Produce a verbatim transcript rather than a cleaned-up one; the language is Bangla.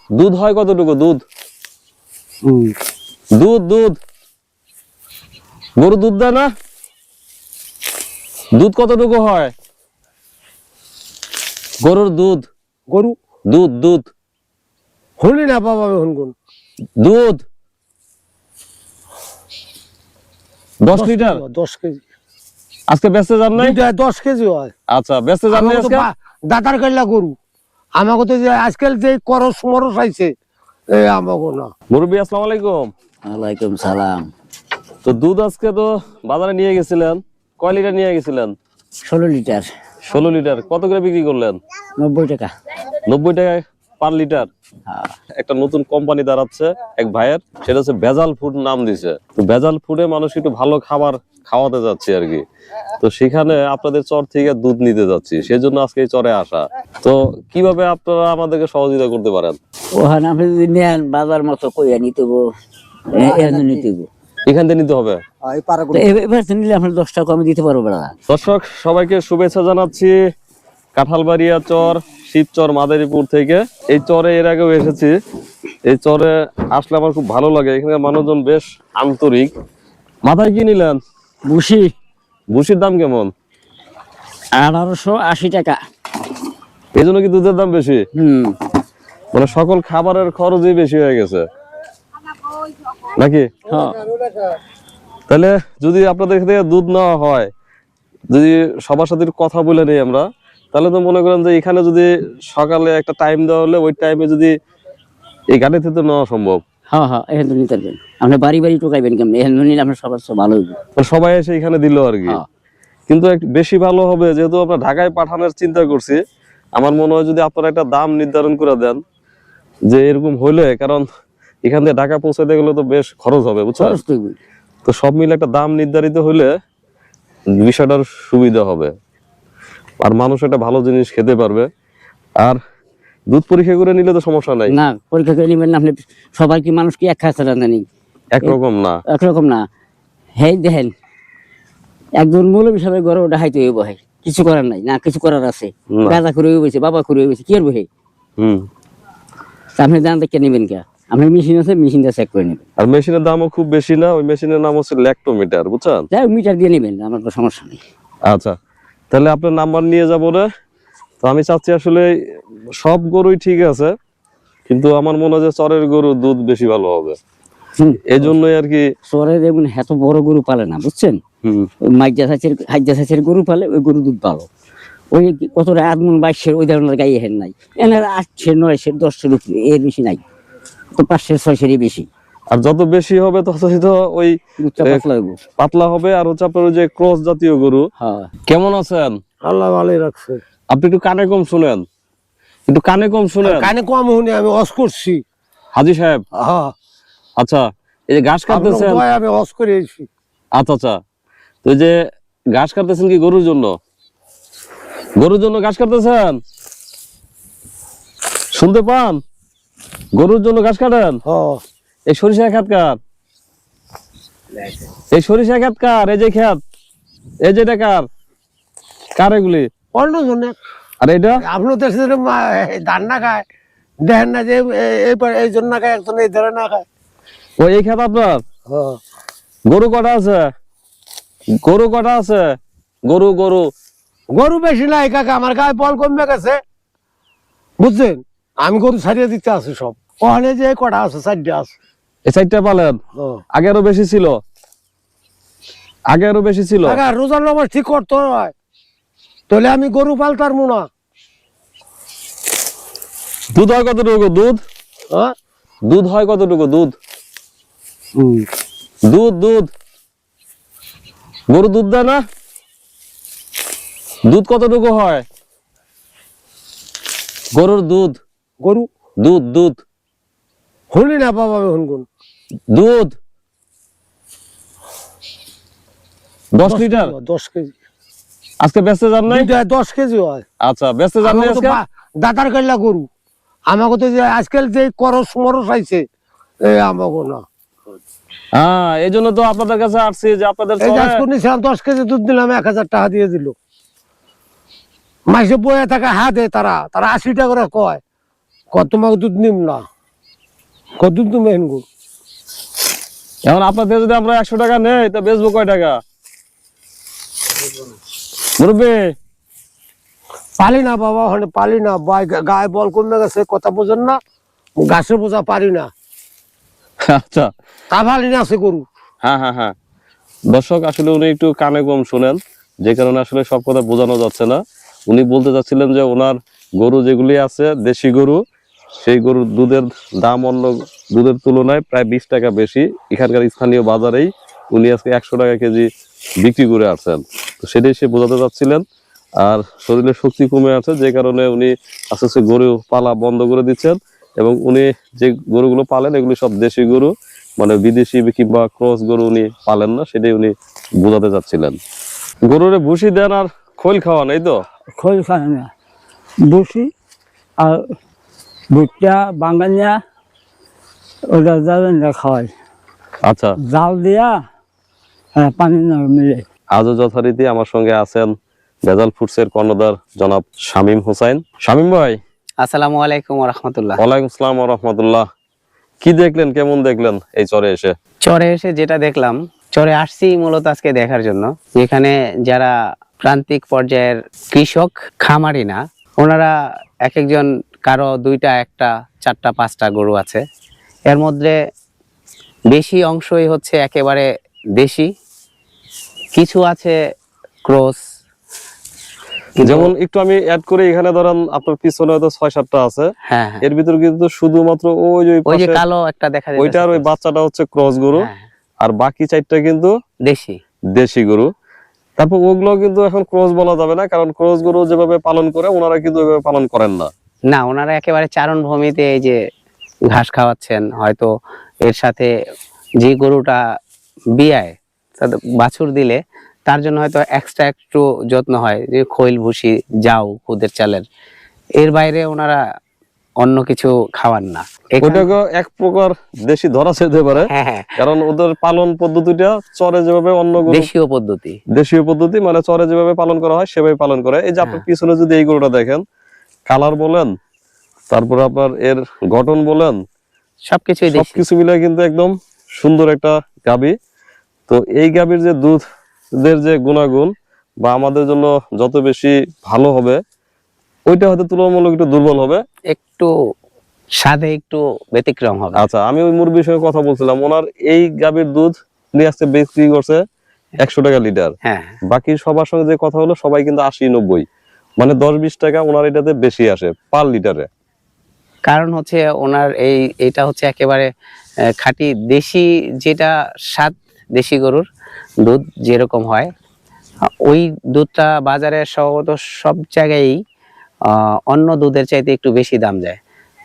দুধ হয় কতটুকু? দুধ দুধ দুধ গরু দুধ দেয় না? দুধ কতটুকু হয় গরুর? দুধ গরু দুধ দুধ হলি না বাবা হনগুন দুধ দশ লিটার দশ কেজি আজকে বেচতে যান নাই? দশ কেজি হয়। আচ্ছা বেচতে যান নাই আজকে? দাতার কাইলা গরু আমাকে তো যে আজকাল যে করস মরস আইছে এই আমাকে না। মুরব্বী আসসালামু আলাইকুম। ওয়ালাইকুম সালাম। তো দুধ আজকে তো বাজারে নিয়ে গেছিলেন, কয় লিটার নিয়ে গেছিলেন? ষোলো লিটার। ষোলো লিটার কত করে বিক্রি করলেন? নব্বই টাকা। নব্বই টাকায় পার লিটার। একটা নতুন কোম্পানি দাঁড়াচ্ছে এক ভাইয়ের, সেটা হচ্ছে ভেজাল ফুড নাম দিছে। তো ভেজাল ফুডে মানুষ একটু ভালো খাবার খাওয়াতে যাচ্ছে আর কি। তো সেখানে আপনাদের চর থেকে দুধ নিতে যাচ্ছি, সেই জন্য আজকে এই চরে আসা। তো কিভাবে আপনারা আমাদেরকে সহযোগিতা করতে পারেন? ওখানে আপনি যদি নেন বাজার মতো কইয়া নিতে নিতে এখান থেকে নিতে হবে। এবার নিলে আপনার দশ টাকা আমি দিতে পারবো না। দর্শক সবাইকে শুভেচ্ছা জানাচ্ছি কাঁঠালবাড়িয়া চর শিবচর মাদারীপুর থেকে। এই চরে এর আগেও এসেছি। এই চরে আসলে আমার খুব ভালো লাগে, এখানকার মানুষজন বেশ আন্তরিক। মাথায় কি নিলেন? বুসি। বুসির দাম কেমন? আঠারোশো আশি টাকা। এই জন্য কি দুধের দাম বেশি? হম মানে সকল খাবারের খরচই বেশি হয়ে গেছে নাকি? তাহলে যদি আপনাদের থেকে দুধ নেওয়া হয়, যদি সবার সাথে কথা বলে নেই আমরা, তাহলে তো মনে করেন যে এখানে যদি সকালে একটা টাইম দেওয়া হলে ওই টাইমে যদি এই গাড়ি থেকে নেওয়া সম্ভব। হ্যাঁ হ্যাঁ এখান থেকে নিতে পারবেন। আপনি বাড়ি বাড়ি টোকাইবেন কেমন? এখান নিলে আপনার সবার ভালো হইবে। সবাই এসে এখানে দিল আর কি। কিন্তু বেশি ভালো হবে, যেহেতু আমরা ঢাকায় পাঠানোর চিন্তা করছি। আমার মনে হয় যদি আপনারা একটা দাম নির্ধারণ করে দেন যে এরকম হইলে, কারণ এখান থেকে ঢাকা পৌঁছাতে গেলে তো বেশ খরচ হবে, বুঝছেন? তো সব মিলে একটা দাম নির্ধারিত হইলে বিষয়টার সুবিধা হবে, আর মানুষ একটা ভালো জিনিস খেতে পারবে। আর দুধ পরীক্ষা করে নিলে তো সমস্যা নাই। না পরীক্ষা করে নিবেন না আপনি। সবাই কি মানুষ কি এক খাচ্ছে জানি? একরকম না, একরকম না। হেই দেখেন একজন মৌলবী সাহেবের ঘরে ওটা হাইতে হইব, কিছু করার নাই। না কিছু করার আছে, গাঁজা করে হইছে, বাবা করে হইছে, কি আর বহে। হম আপনি দাম দেখে নেবেন কে? আপনার মেশিন আছে, মেশিনটা চেক করে নেবেন। আর মেশিনের দামও খুব বেশি না, ওই মেশিনের নাম হচ্ছে ল্যাক্টোমিটার, বুঝছেন? যাই মিটার দিয়ে নেবেন, আমার কোনো সমস্যা নেই। আচ্ছা তাহলে আপনার নাম্বার নিয়ে যাবো রে। তো আমি চাচ্ছি আসলে সব গরুই ঠিক আছে, কিন্তু আমার মনে হয় যে চরের গরু দুধ বেশি ভালো হবে, এই জন্যই আর কি। চরে দেখুন এত বড় গরু পালে না, বুঝছেন? মাইজা চাষের হাইজা চাষের গরু পালে, ওই গরু দুধ ভালো। ওই কতটা আট মন বাইশের ওই ধরনের গায়ে হেন নাই, এনার আটশের নয়শের দশের উপরে, এর বেশি নাই। তো পাঁচশের ছয়শেরই বেশি। আর যত বেশি হবে ততই তো ওই পাতলা হবে। আর হচ্ছে আপনার ওই যে ক্রস জাতীয় গরু। কেমন আছেন? আল্লাহ ভালোই রাখছে। আপনি একটু কানে কম শুনেন, একটু কানে কম শুনেন। কানে কম শুনে আমি অস করছি হাজি সাহেব। আচ্ছা এই যে ঘাস কাটতেছেন, আমি অস করে এসেছি। আচ্ছা আচ্ছা তো এই যে ঘাস কাটতেছেন কি গরুর জন্য? গরুর জন্য ঘাস কাটতেছেন, শুনতে পান? গরুর জন্য ঘাস কাটেন? এই সরিষা খেত কার? এই সরিষা খেত কার? এই যে খেত, এই যে এটা কার? কার এগুলি? অন্য জন্য। আর এটা আপনার দেশে ধান না খায়, দেখেন না যে এই জন্য না খায়, একজন এই ধরে না খায়। ও এই খেত আপনার? গরু কটা আছে? গরু কটা আছে? গরু গরু গরু বেশি নাই কাকা, আমার গায়ে বল কমে গেছে, বুঝছেন? আমি গরু ছাড়িয়ে দিতে আছি সব। ওখানে যে কটা আছে, চারটা আছে। এই চারটা পালেন? আগে আরো বেশি ছিল, আগে আরো বেশি ছিল। রোজার নামাজ ঠিক করতে হয়, তাহলে আমি গরু পালতার মুনা। দুধ হয় কতটুকু? দুধ দুধ হয় কতটুকু? দুধ দুধ দুধ গরু দুধ দেয় না? দুধ কতটুকু হয় গরুর? দুধ গরু দুধ দুধ হলি না বাবা হনগুন দুধ দশ লিটার। দশ কেজি আজকে বেচতে যান নাই? দশ কেজি হয়। আচ্ছা বেচতে যান নাই আজকে? দাতার কাইলা গরু আমাকে তো যে আজকাল যে করস মরস আইছে এই আমাকে না। হ্যাঁ এই জন্য তো আপনাদের কাছে আসছি যে আপনাদের দশ কেজি দুধ দিলাম, এক হাজার টাকা দিয়ে দিল। মাসে বয়ে থাকে হাতে, তারা তারা আশি টাকা করে কয়, তোমাকে দুধ নিম না। কতদিন তুমি হেন গরু এখন আপনার থেকে যদি আমরা একশো টাকা নেই তা বেচবো কয় টাকা মুরব্বী? পালি না বাবা, ওখানে পালি না, গায়ে বল কমে গেছে, কথা বোঝেন না, গাছে বোঝা পারি না, আচ্ছা তা পালি না আছে গরু। হ্যাঁ হ্যাঁ হ্যাঁ দর্শক, আসলে উনি একটু কানে কম শুনেন, যে কারণে আসলে সব কথা বোঝানো যাচ্ছে না। উনি বলতে চাচ্ছিলেন যে ওনার গরু যেগুলি আছে দেশি গরু, সেই গরুর দুধের দাম অন্য দুধের তুলনায় প্রায় বিশ টাকা বেশি এখানকার স্থানীয় বাজারেই উনি আজকে একশো টাকা কেজি বিক্রি করে আসছেন। তো সেটাই সে বোঝাতে চাচ্ছিলেন। আর শরীরে শক্তি কমে আছে, যে কারণে উনি আস্তে আস্তে গরু পালা বন্ধ করে দিচ্ছেন, এবং উনি যে গরুগুলো পালেন এগুলি সব দেশি গরু, মানে বিদেশি কিংবা ক্রস গরু উনি পালেন না, সেটাই উনি বোঝাতে চাচ্ছিলেন। গরুরে ভুসি দেন আর খোল খাওয়ান, এই তো? খোল খায় না, বসি আর ভুট্টা বাঙালিয়া ওটা যাবেন না খাওয়াই, আচ্ছা জাল দিয়া হ্যাঁ পানি না মিলে। আজও যথারীতি আমার সঙ্গে আছেন ভেজাল ফুডসের কর্ণধার জনাব শামীম হোসেন। শামীম ভাই, আসসালামু আলাইকুম ওয়া রাহমাতুল্লাহ। ওয়ালাইকুম আসসালাম ওয়া রাহমাতুল্লাহ। কি দেখলেন, কেমন দেখলেন এই চরে এসে? চরে এসে যেটা দেখলাম, চরে আসছি মূলত আজকে দেখার জন্য, যেখানে যারা প্রান্তিক পর্যায়ের কৃষক, খামারি না, ওনারা এক একজন, কারো দুইটা, একটা, চারটা, পাঁচটা গরু আছে। এর মধ্যে বেশি অংশই হচ্ছে একেবারে দেশি, কিছু আছে ক্রস। যেমন একটু আমি অ্যাড করে, এখানে ধরেন আপনার পিছনে হয়তো ছয় সাতটা আছে, হ্যাঁ হ্যাঁ, এর ভিতর কিন্তু শুধুমাত্র ওই যে ওই যে পাশে কালো একটা দেখা যাচ্ছে, ওইটার ওই বাচ্চাটা হচ্ছে ক্রস গরু, হ্যাঁ, আর বাকি চারটা কিন্তু দেশি দেশি গরু। তারপর ওগুলো কিন্তু এখন ক্রস বলা যাবে না, কারণ ক্রস গরু যেভাবে পালন করে ওনারা কিন্তু ওইভাবে পালন করেন না। না, ওনারা একেবারে চারণ ভূমিতে এই যে ঘাস খাওয়াচ্ছেন, হয়তো এর সাথে যে গরুটা বিয়ায় তাতে বাছুর দিলে তার জন্য হয়তো এক্সট্রা একটু যত্ন হয়, যে খৈল ভুসি, যাও, খুদের চালের। এর বাইরে ওনারা অন্য কিছু খাওয়ান না। এখান- ওইটাকে এক প্রকার দেশি ধরা যেতে পারে, হ্যাঁ হ্যাঁ, কারণ ওদের পালন পদ্ধতিটা চরে যেভাবে অন্য গরু দেশীয় পদ্ধতি। দেশীয় পদ্ধতি, মানে চরে যেভাবে পালন করা হয় সেভাবে পালন করে। এই যে আপনার পিছনে যদি এই গরুটা দেখেন, কালার বলেন, তারপর আপনার এর গঠন বলেন, সবকিছুই দেশি। সবকিছু মিলে কিন্তু একদম সুন্দর একটা গাভী। তো এই গাভীর যে দুধের যে গুণাগুণ বা আমাদের জন্য যত বেশি ভালো হবে, ওইটা হয়তো তুলনামূলক একটু দুর্বল হবে, একটু স্বাদে একটু ব্যতিক্রম হবে। আচ্ছা, আমি ওই মুরগির সঙ্গে কথা বলছিলাম, ওনার এই গাভীর দুধ নিয়ে আজকে বিক্রি করছে একশো টাকা লিটার। হ্যাঁ, বাকি সবার সঙ্গে যে কথা হলো, সবাই কিন্তু আশি নব্বই, মানে দশ বিশ টাকা ওনার এটাতে বেশি আসে পার লিটারে। কারণ হচ্ছে ওনার এই এটা হচ্ছে একেবারে আহ, খাঁটি দেশি, যেটা স্বাদ দেশি গরুর দুধ যেরকম হয়, আহ, ওই দুধটা বাজারে সম্ভবত সব জায়গায় অন্য দুধের চাইতে একটু বেশি দাম যায়।